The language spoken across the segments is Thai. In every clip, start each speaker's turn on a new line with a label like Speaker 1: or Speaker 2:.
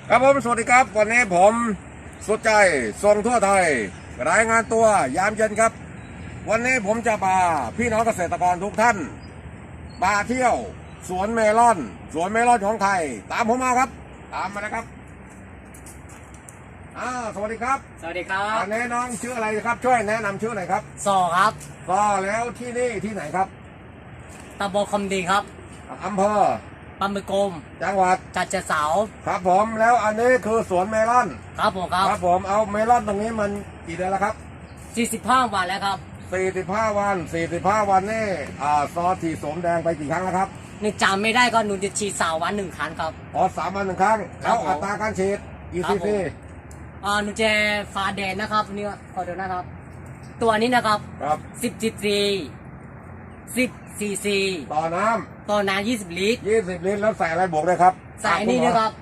Speaker 1: ครับผมสวัสดีครับวันนี้ผมสุดใจส่งทั่วไทยรายงานตัวยามเย็นครับวันนี้ผมจะพาพี่น้องเกษตรกรทุกท่านมาเที่ยวสวนเมลอนของไทยตามผมมาครับตามมานะครับสวัสดีครับ
Speaker 2: สวัสดีครับ
Speaker 1: อันนี้น้องชื่ออะไรครับช่วยแนะนำชื่อหน่อยครับ
Speaker 2: ซอครับ
Speaker 1: ก็แล้วที่นี่ที่ไหนครับ
Speaker 2: ตำบลคำดีครับ
Speaker 1: อำเภอ
Speaker 2: ปำบึกกม
Speaker 1: จังหวัด
Speaker 2: ฉะเชิงเทรา
Speaker 1: ครับผมแล้วอันนี้คือสวนเมลอน
Speaker 2: ครับผม
Speaker 1: ครับผมเอาเมลอนตรงนี้มันกี่เดือนแล้วครับ
Speaker 2: 45 วันแล้วครับ
Speaker 1: 45 วันนี่ซอฉีดสมแดงไปกี่ครั้งแล้วครับ
Speaker 2: นี่จำไม่ได้ก็หนูจะฉีด3 วัน1 ครั้งครับ
Speaker 1: 3 วัน 1 ครั้งแล้วอัตราการฉีดกี่ซีซี
Speaker 2: หนูจะฟ้าแดงนะครับนี่ขอดูนะครับตัวนี้นะครับ10 ซีซี
Speaker 1: ต่อน้
Speaker 2: ำ20 ลิตร
Speaker 1: แล้วใส่อะไรบวกได้ครับ
Speaker 2: ใส่นี่นะครับ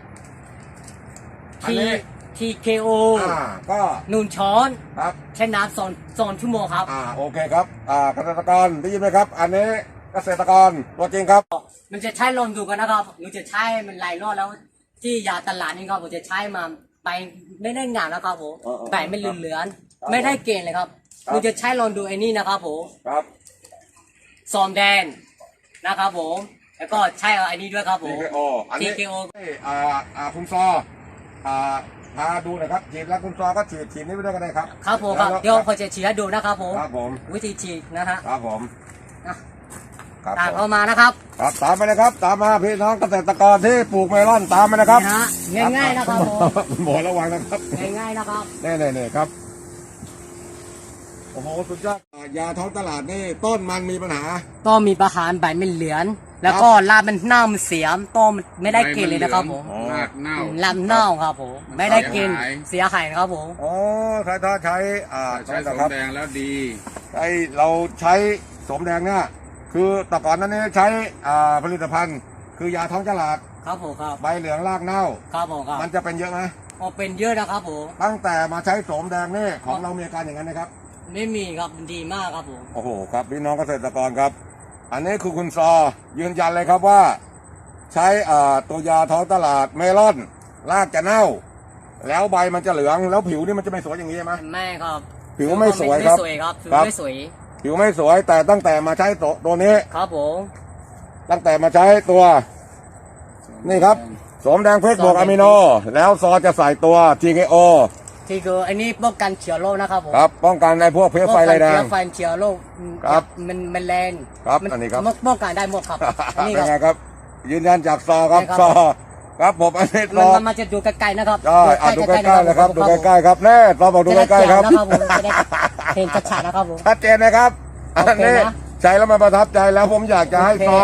Speaker 2: TKO
Speaker 1: ก็
Speaker 2: 1 ช้อน
Speaker 1: ครับ
Speaker 2: ใช้น้ำ2 ชั่วโมงครับ
Speaker 1: โอเคครับเกษตรกรได้ยินไหมครับอันนี้เกษตรกรตัวจริงครับ
Speaker 2: มันจะใช้ลองดูกันนะครับหนูจะใช้มันหลายรอบแล้วที่ยาตลาดนี่ครับผมจะใช้มาไปไม่ได้งานแล้วครับผมแต่ไม่เหลือนไม่ได้เกณฑ์เลยครับหนูจะใช้ลองดูไอ้นี่นะครับผม
Speaker 1: ครับ
Speaker 2: ซอมแดนนะครับผมแล้วก็ใช้ไอ้นี่ด้วยครับผม
Speaker 1: TKO คุณซอพาดูหน่อยครับฉีดแล้วคุณซอก็ฉีดนี้ไปด้วยกันได้ครับ
Speaker 2: ครับผมครับเดี๋ยวพอจะฉีดให้ดูนะครับผม
Speaker 1: ครับผม
Speaker 2: วิธีฉีดนะฮะ
Speaker 1: ครับผม
Speaker 2: ตามเข้ามานะครับ
Speaker 1: ครับตามไปเลยครับตามมาพี่น้องเกษตรกรที่ปลูกเมลอนตามไปนะครับ
Speaker 2: ง่ายๆนะครับผม
Speaker 1: หมอระวังนะครับ
Speaker 2: ง่ายๆนะครับ
Speaker 1: แน่ๆครับโอ้โหสุดยอดยาท้องตลาดนี่ต้นมันมีปัญหา
Speaker 2: ต้นมีปัญหาใบมันเหลืองแล้วก็รากมันเน่ามันเสียต้นไม่ได้กินเลยนะครับผม
Speaker 3: รากเน่า
Speaker 2: เน่าครับผมไม่ได้กินเสียหายครับผม
Speaker 1: ถ้าใช้
Speaker 3: สมแดงแล้วดี
Speaker 1: เราใช้สมแดงเนี่ยคือแต่ก่อนนั้นใช้ผลิตภัณฑ์คือยาท้องตลาด
Speaker 2: ครับผมครับ
Speaker 1: ใบเหลืองรากเน่า
Speaker 2: ครับผมครับ
Speaker 1: มันจะเป็นเยอะไหม
Speaker 2: เป็นเยอะนะครับผม
Speaker 1: ตั้งแต่มาใช้สมแดงนี่ของเรามีอาการอย่างนั้นนะครับ
Speaker 2: ไม่มีครับดีมากครับผม
Speaker 1: โอ้โหครับพี่น้องเกษตรกรครับอันนี้คือคุณซอยืนยันเลยครับว่าใช้ตัวยาท้องตลาดเมลอนรากจะเน่าแล้วใบมันจะเหลืองแล้วผิวนี่มันจะไม่สวยอย่างนี้ไหม
Speaker 2: ไม่ครับ
Speaker 1: ผิวไม่สวยครับ
Speaker 2: ผิวไม่สวย
Speaker 1: ผิวไม่สวยแต่ตั้งแต่มาใช้ตัวนี้
Speaker 2: ครับผม
Speaker 1: ตั้งแต่มาใช้ตัวนี่ครับสมแดงเพชรบวกอะมิโนแล้วซอจะใส่ตัว TKO
Speaker 2: ที่คืออันนี้ป้องกันเชื้อโรคนะครับผม
Speaker 1: ครับป้องกันในพวกเพลี้ยไฟไรแดง
Speaker 2: เชื้อโรค
Speaker 1: ครับ
Speaker 2: มันแรง
Speaker 1: ครับอันนี้ครับ
Speaker 2: ป้องกันได้หมดครับ
Speaker 1: นี่ครับยืนยันจากซอครับซอครับผมอันนี้ซอ
Speaker 2: มันจะดูใกล้ๆนะครับ
Speaker 1: ดูใกล้ๆเลยครับดูใกล้ๆครับแน่ซอบอกดูใกล้ๆครับ
Speaker 2: เห็นชัดๆนะครับผม
Speaker 1: ชัดเจนนะครับอันนี้ใช้แล้วมันประทับใจแล้วผมอยากจะให้ซอ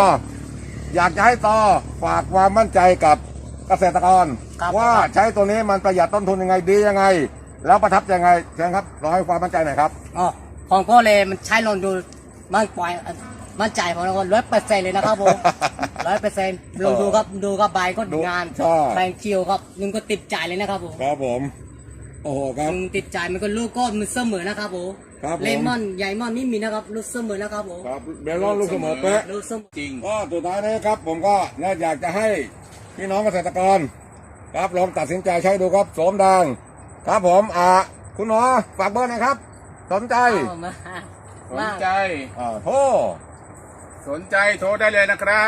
Speaker 1: ฝากความมั่นใจกับเกษตรกรว่าใช้ตัวนี้มันประหยัดต้นทุนยังไงดียังไงแล้วประทับยังไงเชิญครับรอให้ความมั่นใจหน่อยครับ
Speaker 2: ของก็เลยมันใช้ลองดูมันปล่อยมั่นใจของเรา100%เลยนะครับผม100%ลองดูครับใบก็งานใบเขียวครับนึงก็ติดใจเลยนะครับผม
Speaker 1: ครับผมโอ้โหครับ
Speaker 2: ติดใจมันก็ลูกก็มันเสมอนะครับผมเลมอนใหญ่มอนนี่มีนะครับลูกเสมอนะครับผม
Speaker 1: ครับเบลล์ลูกเสมอเป๊ะ
Speaker 3: จริง
Speaker 1: ก็สุดท้ายนี้ครับผมก็อยากจะให้พี่น้องเกษตรกรครับลองตัดสินใจใช้ดูครับสมแดงครับผมคุณหมอฝากเบอร์หน่อยครับสนใจโทร
Speaker 3: สนใจโทรได้เลยนะครับ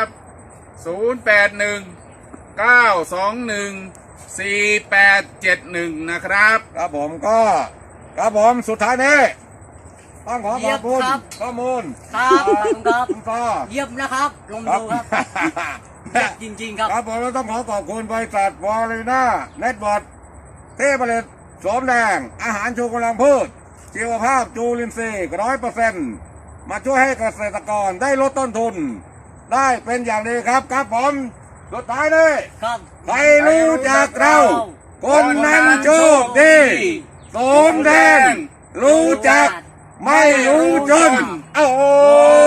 Speaker 3: 0819214871นะครับ
Speaker 1: ครับผมก็ครับผมสุดท้ายนี้ต้องขอขอบคุณข้อมูล
Speaker 2: ครับ
Speaker 1: คุณพ่อ
Speaker 2: เยี่ยมนะครับลงดูครับจริงๆครับ
Speaker 1: ครับผมต้องขอบคุณบริษัทวอลลีน่าเน็ตบอร์ดที่ผลิตสมแดงอาหารชูกำลังพืชชีวภาพจุลินทรีย์100%มาช่วยให้เกษตรกรได้ลดต้นทุนได้เป็นอย่างดีครับผมสุดท้ายนี้ใครรู้จักเราคนนั้นโชคดีสมแดงรู้จักไม่รู้จนโอ้